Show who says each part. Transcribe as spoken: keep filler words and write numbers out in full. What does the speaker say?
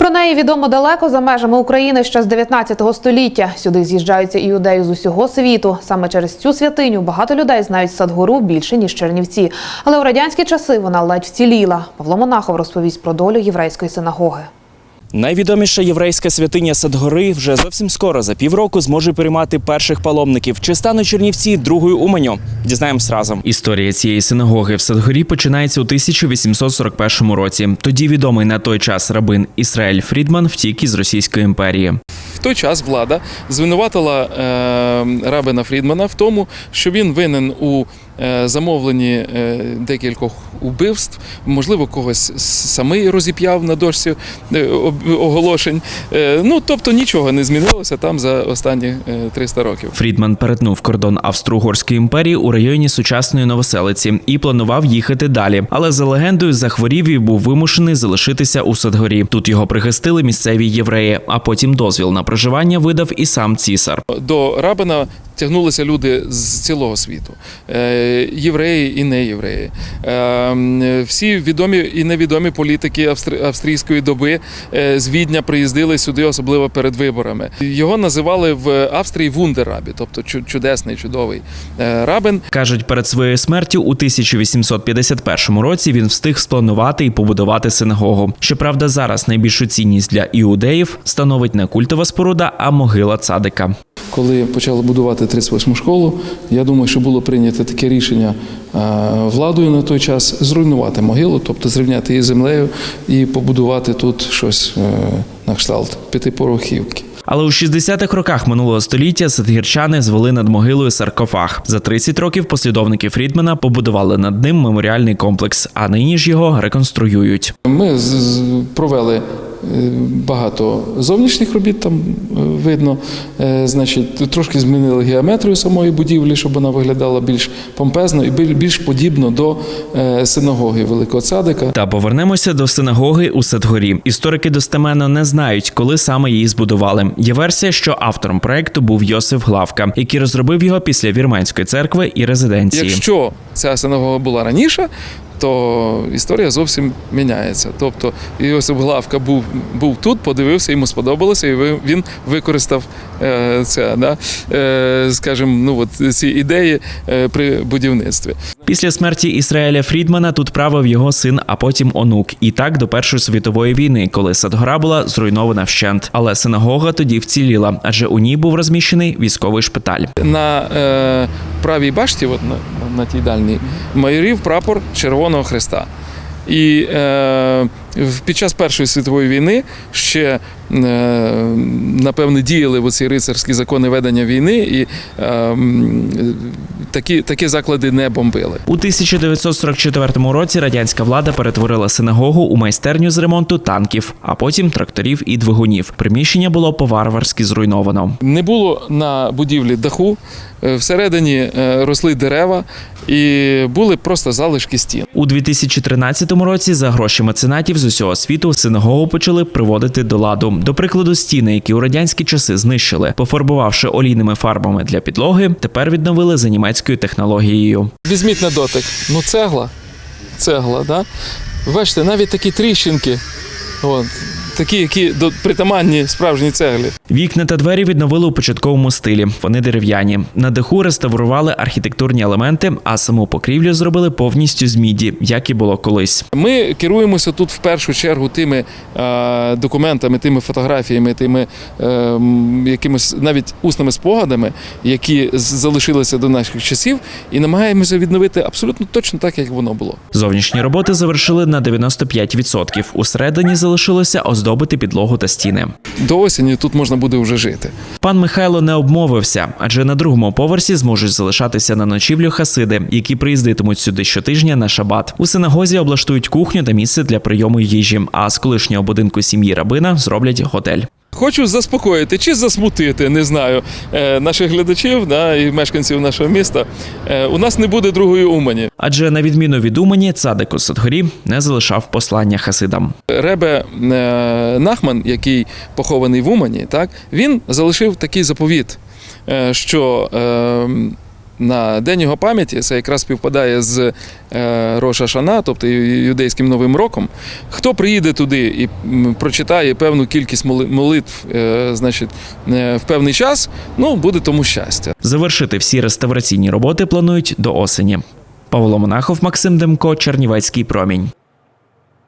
Speaker 1: Про неї відомо далеко за межами України ще з дев'ятнадцятого століття. Сюди з'їжджаються іудеї з усього світу. Саме через цю святиню багато людей знають Садгору більше, ніж Чернівці. Але у радянські часи вона ледь вціліла. Павло Монахов розповість про долю єврейської синагоги.
Speaker 2: Найвідоміша єврейська святиня Садгори вже зовсім скоро, за півроку, зможе приймати перших паломників. Чи стануть Чернівці другою Уманню? Дізнаємось разом. Історія цієї синагоги в Садгорі починається у тисяча вісімсот сорок першому році. Тоді відомий на той час рабин Ісраель Фрідман втік із Російської імперії.
Speaker 3: В той час влада звинуватила е, рабина Фрідмана в тому, що він винен у е, замовленні е, декількох убивств, можливо, когось самий розіп'яв на дошці е, оголошень. Е, ну, тобто нічого не змінилося там за останні е, триста років.
Speaker 2: Фрідман перетнув кордон Австро-Угорської імперії у районі сучасної Новоселиці і планував їхати далі. Але за легендою захворів і був вимушений залишитися у Садгорі. Тут його прихистили місцеві євреї, а потім дозвіл на проживання видав і сам цісар.
Speaker 3: До рабина тягнулися люди з цілого світу, євреї і неєвреї. Всі відомі і невідомі політики австрійської доби з Відня приїздили сюди, особливо перед виборами. Його називали в Австрії вундеррабі, тобто чудесний, чудовий рабин.
Speaker 2: Кажуть, перед своєю смертю у тисяча вісімсот п'ятдесят першому році він встиг спланувати і побудувати синагогу. Щоправда, зараз найбільшу цінність для іудеїв становить не культова споруда, а могила цадика.
Speaker 3: Коли почали будувати тридцять восьму школу, я думаю, що було прийнято таке рішення владою на той час зруйнувати могилу, тобто зрівняти її з землею і побудувати тут щось на кшталт п'ятиповерхівки.
Speaker 2: Але у шістдесятих роках минулого століття садгірчани звели над могилою саркофаг. За тридцять років послідовники Фрідмана побудували над ним меморіальний комплекс, а нині ж його реконструюють.
Speaker 3: Ми провели багато зовнішніх робіт, там видно, значить, трошки змінили геометрію самої будівлі, щоб вона виглядала більш помпезно і більш подібно до синагоги Великого Цадика.
Speaker 2: Та повернемося до синагоги у Садгорі. Історики достеменно не знають, коли саме її збудували. Є версія, що автором проекту був Йосиф Главка, який розробив його після Вірменської церкви і резиденції.
Speaker 3: Якщо ця синагога була раніше, то історія зовсім міняється. Тобто Йосип Главка був, був тут, подивився, йому сподобалося, і він використав е, це, да, е, скажімо, ну, от, ці ідеї е, при будівництві.
Speaker 2: Після смерті Ісраеля Фрідмана тут правив його син, а потім онук. І так до Першої світової війни, коли Садгора була зруйнована вщент. Але синагога тоді вціліла, адже у ній був розміщений військовий шпиталь.
Speaker 3: На е, правій башті, от на, на тій дальній, майорів прапор Червоного Хреста. І е, під час Першої світової війни ще, е, напевне, діяли оці рицарські закони ведення війни, і е, такі, такі заклади не бомбили.
Speaker 2: У тисяча дев'ятсот сорок четвертому році радянська влада перетворила синагогу у майстерню з ремонту танків, а потім тракторів і двигунів. Приміщення було по-варварськи зруйновано.
Speaker 3: Не було на будівлі даху, всередині росли дерева і були просто залишки стін.
Speaker 2: У дві тисячі тринадцятому році за гроші меценатів з усього світу синагогу почали приводити до ладу. До прикладу, стіни, які у радянські часи знищили, пофарбувавши олійними фарбами для підлоги, тепер відновили за німецькою технологією.
Speaker 3: Візьміть на дотик, ну цегла, цегла, да? Бачите, навіть такі тріщинки, от, такі, які притаманні справжній цеглі.
Speaker 2: Вікна та двері відновили у початковому стилі. Вони дерев'яні. На даху реставрували архітектурні елементи, а саму покрівлю зробили повністю з міді, як і було колись.
Speaker 3: Ми керуємося тут в першу чергу тими е, документами, тими фотографіями, тими е, якимось навіть усними спогадами, які залишилися до наших часів, і намагаємося відновити абсолютно точно так, як воно було.
Speaker 2: Зовнішні роботи завершили на дев'яносто п'ять відсотків. Усередині залишилося оздобити підлогу та стіни.
Speaker 3: До осені тут можна буде вже жити.
Speaker 2: Пан Михайло не обмовився, адже на другому поверсі зможуть залишатися на ночівлю хасиди, які приїздитимуть сюди щотижня на шабат. У синагозі облаштують кухню та місце для прийому їжі, а з колишнього будинку сім'ї рабина зроблять готель.
Speaker 3: Хочу заспокоїти чи засмутити, не знаю, наших глядачів, да, і мешканців нашого міста. У нас не буде другої Умані.
Speaker 2: Адже на відміну від Умані, цадик у Садгорі не залишав послання хасидам.
Speaker 3: Ребе Нахман, який похований в Умані, так, він залишив такий заповіт, що на День його пам'яті, це якраз співпадає з е, Рош ха-Шана, тобто юдейським Новим роком. Хто приїде туди і м, прочитає певну кількість моли- молитв е, значить, е, в певний час, ну, буде тому щастя.
Speaker 2: Завершити всі реставраційні роботи планують до осені. Павло Монахов, Максим Демко, Чернівецький промінь.